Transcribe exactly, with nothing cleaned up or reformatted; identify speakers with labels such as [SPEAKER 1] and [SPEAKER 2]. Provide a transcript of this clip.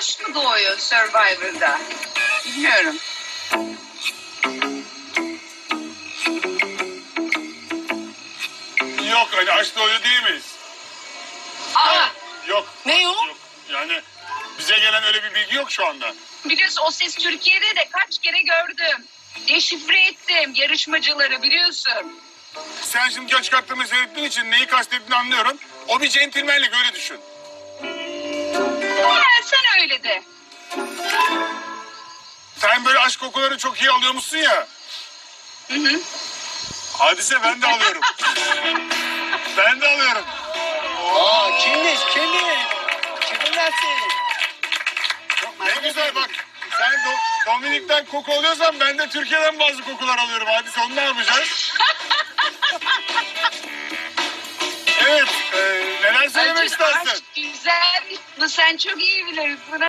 [SPEAKER 1] aşk mı doğuyor Survivor'da? Bilmiyorum.
[SPEAKER 2] Yok hani aşk doğuyor değil miyiz?
[SPEAKER 1] Aa,
[SPEAKER 2] Yok.
[SPEAKER 3] Ne yok?
[SPEAKER 2] Yok. Yani bize gelen öyle bir bilgi yok şu anda.
[SPEAKER 1] biliyorsun o ses Türkiye'de de kaç kere gördüm. Deşifre ettim yarışmacıları biliyorsun.
[SPEAKER 2] Sen şimdi göç kartlarını seyrettiğin için neyi kastettiğini anlıyorum. O bir centilmenlik öyle düşün.
[SPEAKER 1] Ha, sen öyle de.
[SPEAKER 2] Sen böyle aşk kokuları çok iyi alıyormuşsun ya.
[SPEAKER 1] Hı hı.
[SPEAKER 2] Hadise ben de alıyorum. ben de alıyorum.
[SPEAKER 3] Aa, kimmiş kimmiş? Kimin versin? Çok
[SPEAKER 2] Ne
[SPEAKER 3] merak
[SPEAKER 2] güzel
[SPEAKER 3] ediyorum.
[SPEAKER 2] bak. Sen Do- Dominik'ten koku alıyorsan ben de Türkiye'den bazı kokular alıyorum. Hadise onu ne yapacağız? Evet. E, neler söylemek
[SPEAKER 1] Acun,
[SPEAKER 2] istersin?
[SPEAKER 1] aşk güzel. Sen çok iyi bilirsin.